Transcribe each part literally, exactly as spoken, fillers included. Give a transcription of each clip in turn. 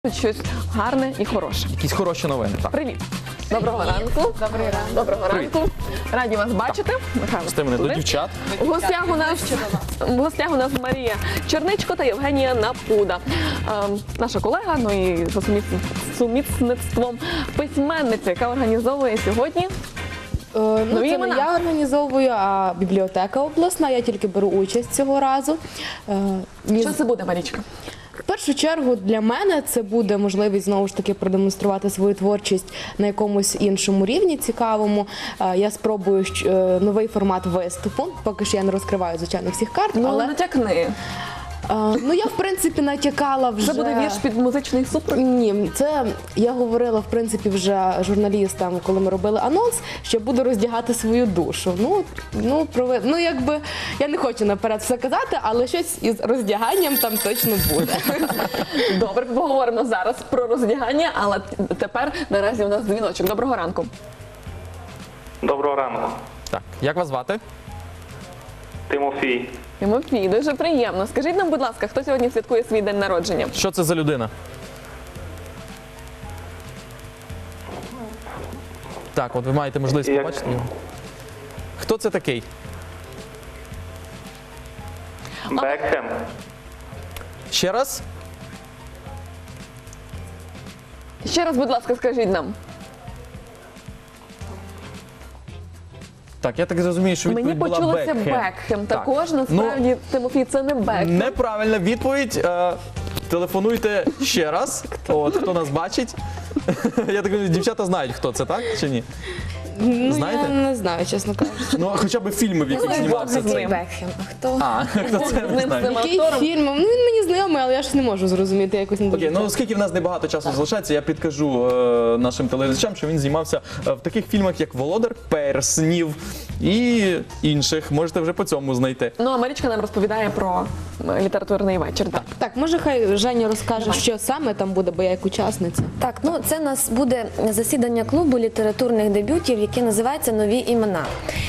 Щось гарне і хороше. Якісь хороші новини. Так. Привіт. Доброго ранку. Добрий ранок. Доброго Привіт. ранку. Раді вас бачити. Михайло Пусти мене до Студик. дівчат. У гостях у нас в гостях у нас Марія Черничко та Євгенія Напуда. Ем, наша колега, ну і за суміс- сумісництвом письменниця, яка організовує сьогодні. Е, Ну, Нові це імена? не я організовую, а бібліотека обласна. Я тільки беру участь цього разу. Е, мені Що це буде, Марічка? В першу чергу для мене це буде можливість знову ж таки продемонструвати свою творчість на якомусь іншому рівні цікавому. Е, Я спробую щ- е, новий формат виступу. Поки що я не розкриваю, звичайно, всіх карт, Ну, але натякни. е, ну я в принципі натякала вже. Це буде вірш під музичний супровід? Ні, це я говорила в принципі вже журналістам, коли ми робили анонс, що буду роздягати свою душу. Ну, ну, прови... ну якби я не хочу наперед все казати, але щось із роздяганням там точно буде. Добре, поговоримо зараз про роздягання, але тепер наразі у нас дзвіночок. Доброго ранку. Доброго ранку, Так, як вас звати? Тимофій. Тимофій, дуже приємно. Скажіть нам, будь ласка, хто сьогодні святкує свій день народження? Що це за людина? Так, от ви маєте можливість Як- побачити його. Хто це такий? Бекхем. Ще раз? Ще раз, будь ласка, скажіть нам. Так, я так зрозумію, що відповідь Мені була почулося Бекхем. Бекхем. Так. Також, насправді, Тимофій, це не Ну, Бекхем. неправильна відповідь. Е, Телефонуйте ще раз. От, хто нас бачить. Я так розумію, дівчата знають, хто це, так? Чи ні? Ну Знаєте? я не знаю, чесно кажучи. Ну, хоча б фільми, в яких Бог знімався. з ним. Бекхем, а хто? А, хто це, З не ним знаю. цим Який актором. фільм? Ну він мені знайомий, але я ж не можу зрозуміти якось не дуже. Окей, ну оскільки в нас небагато часу залишається, я підкажу е, нашим телеглядачам, що він знімався е, в таких фільмах, як Володар Перснів і інших. Можете вже по цьому знайти. Ну, а Марічка нам розповідає про е, літературний вечір. Так. Так, може хай Женя розкаже, що саме там буде, бо я як учасниця. Так, ну це у нас буде засідання клубу літературних дебютів, який називається «Нові імена».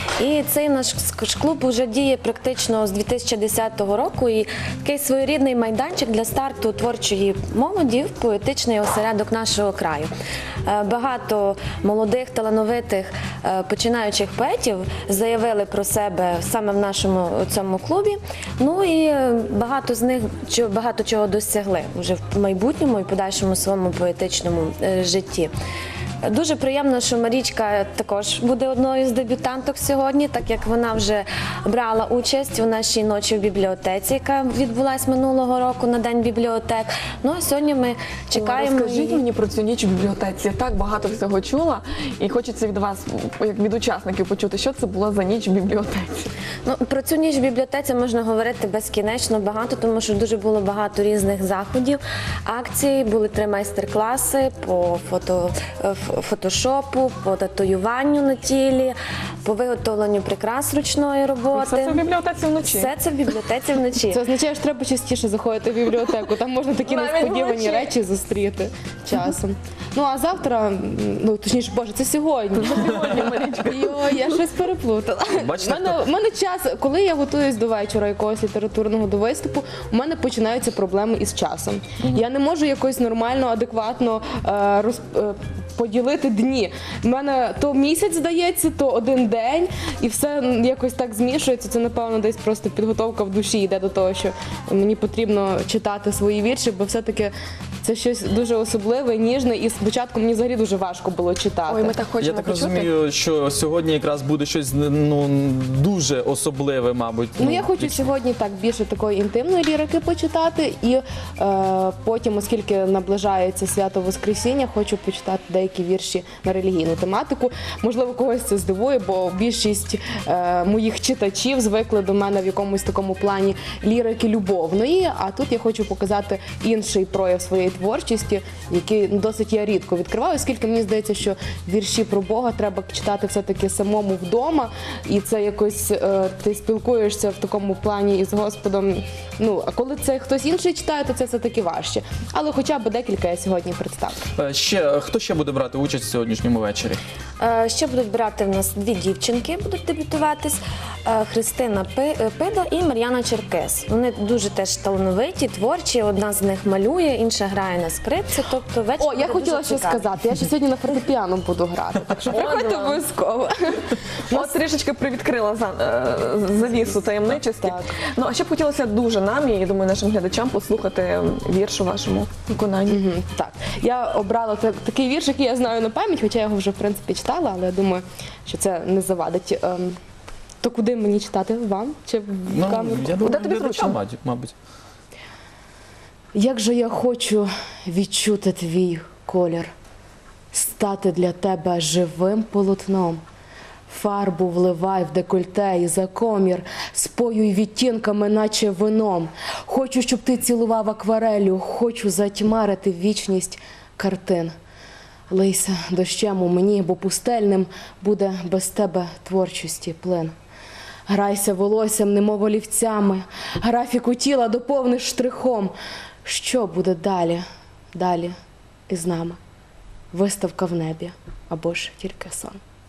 І цей наш клуб вже діє практично з дві тисячі десятого року. І такий своєрідний майданчик для старту творчої молоді в поетичний осередок нашого краю. Е, Багато молодих, талановитих е, починаючих поетів заявили про себе саме в нашому цьому клубі. Ну і е, багато з них чо- багато чого досягли вже в майбутньому і подальшому своєму поетичному е, житті. Дуже приємно, що Марічка також буде одною з дебютанток сьогодні, так як вона вже брала участь у нашій ночі в бібліотеці, яка відбулась минулого року на День бібліотек. Ну а сьогодні ми чекаємо. Розкажіть її. мені про цю ніч в бібліотеці. Я так багато всього чула, і хочеться від вас, як від учасників, почути, що це була за ніч в бібліотеці. Ну, про цю ніч в бібліотеці можна говорити безкінечно багато, тому що дуже було багато різних заходів, акцій, були три майстер-класи по фото, ф- фотошопу, по татуюванню на тілі, по виготовленню прикрас ручної роботи. Все це в бібліотеці вночі. Все це в бібліотеці вночі. Це означає, що треба частіше заходити в бібліотеку. Там можна такі Навіть несподівані вночі. речі зустріти часом. Ну а завтра, м, ну точніше, боже, це сьогодні. Сьогодні, Марічка. Йо, я щось переплутала. Бачите, У мене, у мене час, коли я готуюсь до вечора якогось літературного до виступу, у мене починаються проблеми із часом. Я не можу якось нормально, адекватно е, роз, е, поділити дні. У мене то місяць здається, то один день, і все м, якось так змішується. Це, напевно, десь просто підготовка в душі йде до того, що мені потрібно читати свої вірші, бо все-таки це щось дуже особливе, ніжне, і спочатку мені взагалі дуже важко було читати. Ой, ми так хочемо Я так почути. розумію, що сьогодні якраз буде щось ну, дуже особливе, мабуть. Ну, я хочу сьогодні так більше такої інтимної лірики почитати, і е, потім, оскільки наближається свято Воскресіння, хочу почитати деякі вірші на релігійну тематику. Можливо, когось це здивує, бо більшість е, моїх читачів звикли до мене в якомусь такому плані лірики любовної. А тут я хочу показати інший прояв своєї творчості, який ну, досить я рідко відкриваю, оскільки мені здається, що вірші про Бога треба читати все-таки самому вдома, і це якось е, ти спілкуєшся в такому плані із Господом. Ну, а коли це хтось інший читає, то це все-таки важче. Але хоча б декілька я сьогодні представлю. Е, Ще, хто ще буде брати участь в сьогоднішньому вечорі? Е, Ще будуть брати в нас дві дівчинки, будуть дебютуватись. е, Христина Пи- е, Пида і Мар'яна Черкес. Вони дуже теж талановиті, творчі. Одна з них малює, інша грає на скрипці. Тобто вечір О, я буде хотіла дуже ще цікавий. сказати. Я ще сьогодні на фортепіано буду грати, так що приходьте вам. обов'язково. От трішечки привідкрила за, е, завісу таємничості. Так. Ну, а ще б хотілося дуже нам, і я думаю, нашим глядачам послухати вірш у вашому виконанні. Мгм, Так, я обрала так- такий вірш, який я знаю на пам'ять, хоча я його вже в принципі читала, але я думаю, що це не завадить. Ем, То куди мені читати? Вам чи в Ну, камеру? я думаю, тобі глядачам, зручно? мабуть, мабуть. Як же я хочу відчути твій колір, стати для тебе живим полотном. Фарбу вливай в декольте і за комір, споюй відтінками, наче вином. Хочу, щоб ти цілував акварелю, хочу затьмарити вічність картин. Лийся дощем у мені, бо пустельним буде без тебе творчості плин. Грайся волоссям, немов олівцями, графіку тіла доповниш штрихом. Що буде далі, далі із нами? Виставка в небі або ж тільки сон.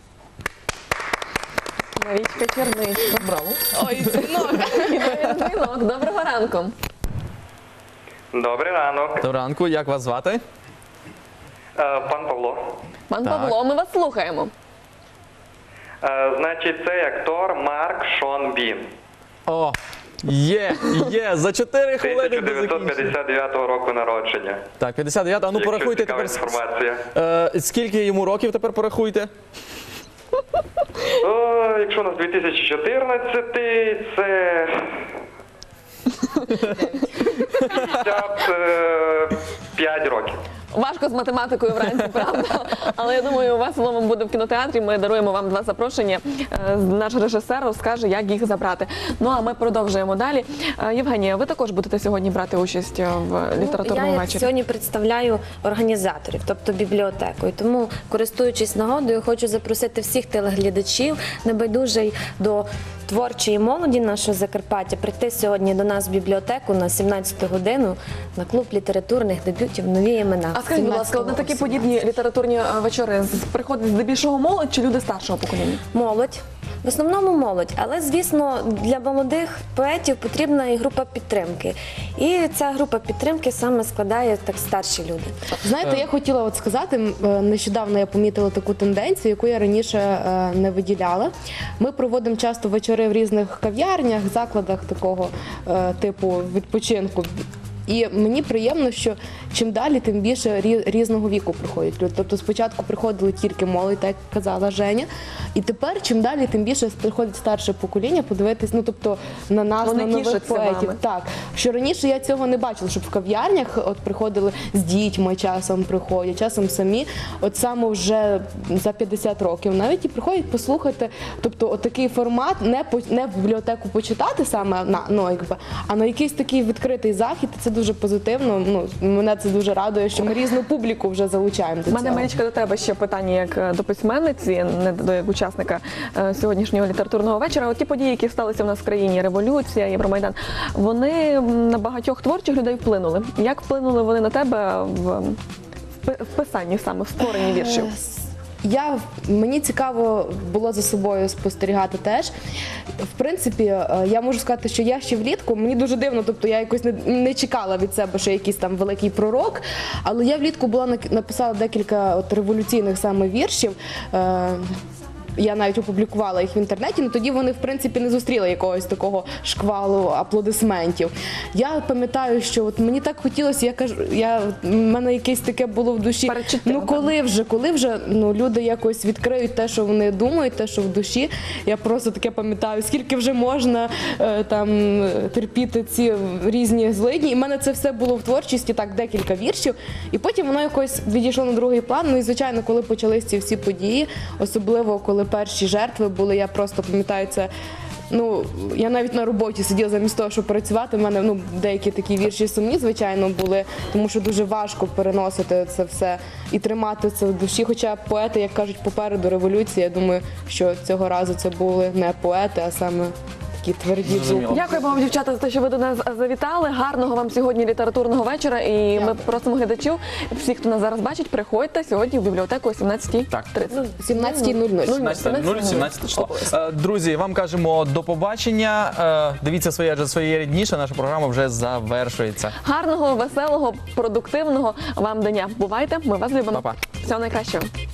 Марічка Черничко. Браво. Ой, дзвінок! І навіть дзвінок. Доброго ранку. Добрий ранок. Доброго ранку, як вас звати? Е, Пан Павло. Пан Так. Павло, ми вас слухаємо. Е, Значить, цей актор Марк Шон Бін. О, є, є, за чотири хвилини тисяча до дев'ятсот закінчення. п'ятдесят дев'ятого року народження. Так, п'ятдесят дев'ять, а ну Якщо порахуйте цікава тепер. інформація. Е, скільки йому років тепер порахуйте? О, якщо у нас дві тисячі чотирнадцятий, це п'ятдесят п'ять років. Важко з математикою вранці, правда? Але я думаю, у вас слово буде в кінотеатрі. Ми даруємо вам два запрошення. Е, Наш режисер розкаже, як їх забрати. Ну а ми продовжуємо далі. Е, Євгенія, ви також будете сьогодні брати участь в літературному Ну, я вечорі? сьогодні представляю організаторів, тобто бібліотеку. І тому, користуючись нагодою, хочу запросити всіх телеглядачів, небайдужий до творчої молоді нашого Закарпаття, прийти сьогодні до нас в бібліотеку на сімнадцяту годину на клуб літературних дебютів «Нові імена». А скажіть, будь ласка, от на такі подібні літературні е, вечори з- приходить здебільшого молодь чи люди старшого покоління? Молодь. В основному молодь, але звісно для молодих поетів потрібна і група підтримки. І ця група підтримки саме складає так старші люди. Знаєте, я хотіла от сказати, м, е, нещодавно я помітила таку тенденцію, яку я раніше е, не виділяла. Ми проводимо часто вечори в різних кав'ярнях, закладах такого е, типу відпочинку. І мені приємно, що чим далі, тим більше рі- різного віку приходять люди. Тобто спочатку приходили тільки молодь, так як казала Женя, і тепер чим далі, тим більше приходить старше покоління подивитись, ну тобто на нас, Вони на нових тішаться поетів. вами. Так, що раніше я цього не бачила, щоб в кав'ярнях от приходили з дітьми, часом приходять, часом самі. От саме вже за п'ятдесят років навіть і приходять послухати. Тобто, от такий формат не по не в бібліотеку почитати саме на ну якби, а на якийсь такий відкритий захід. Це дуже позитивно. Ну мене це дуже радує, що ми різну публіку вже залучаємо до У мене, цього. Марічка, до тебе ще питання як е, до письменниці, не до як учасника е, сьогоднішнього літературного вечора. От ті події, які сталися в нас в країні, революція, Євромайдан, вони м, на багатьох творчих людей вплинули. Як вплинули вони на тебе в, в пи- в писанні саме, в створенні віршів? Я, мені цікаво було за собою спостерігати теж. В принципі, е, я можу сказати, що я ще влітку, мені дуже дивно, тобто я якось не, не чекала від себе, що якийсь там великий пророк, але я влітку була нак- написала декілька от революційних саме віршів. Е, Я навіть опублікувала їх в інтернеті, але тоді вони, в принципі, не зустріли якогось такого шквалу аплодисментів. Я пам'ятаю, що от мені так хотілося, я кажу, я, в мене якесь таке було в душі. Передчуття, Ну напевно. коли вже, коли вже ну, люди якось відкриють те, що вони думають, те, що в душі. Я просто таке пам'ятаю, скільки вже можна е, там терпіти ці різні злидні. І в мене це все було в творчості, так, декілька віршів. І потім воно якось відійшло на другий план. Ну і звичайно, коли почались ці всі події, особливо коли перші жертви були, я просто пам'ятаю це. Ну, я навіть на роботі сиділа замість того, щоб працювати. У мене ну, деякі такі вірші сумні, звичайно, були, тому що дуже важко переносити це все і тримати це в душі. Хоча поети, як кажуть, попереду революції, я думаю, що цього разу це були не поети, а саме такі тверді Зрозуміло. зуби. Дякуємо вам, дівчата, за те, що ви до нас завітали. Гарного вам сьогодні літературного вечора. І ми просимо глядачів, всіх, хто нас зараз бачить, приходьте сьогодні в бібліотеку о сімнадцятій тридцять. сімнадцята нуль нуль. сімнадцяте нуль, сімнадцяте число. Е, Друзі, вам кажемо до побачення. Е, Дивіться своє, адже своє рідніше. Наша програма вже завершується. Гарного, веселого, продуктивного вам дня. Бувайте, ми вас любимо. Па-па. Всього найкращого.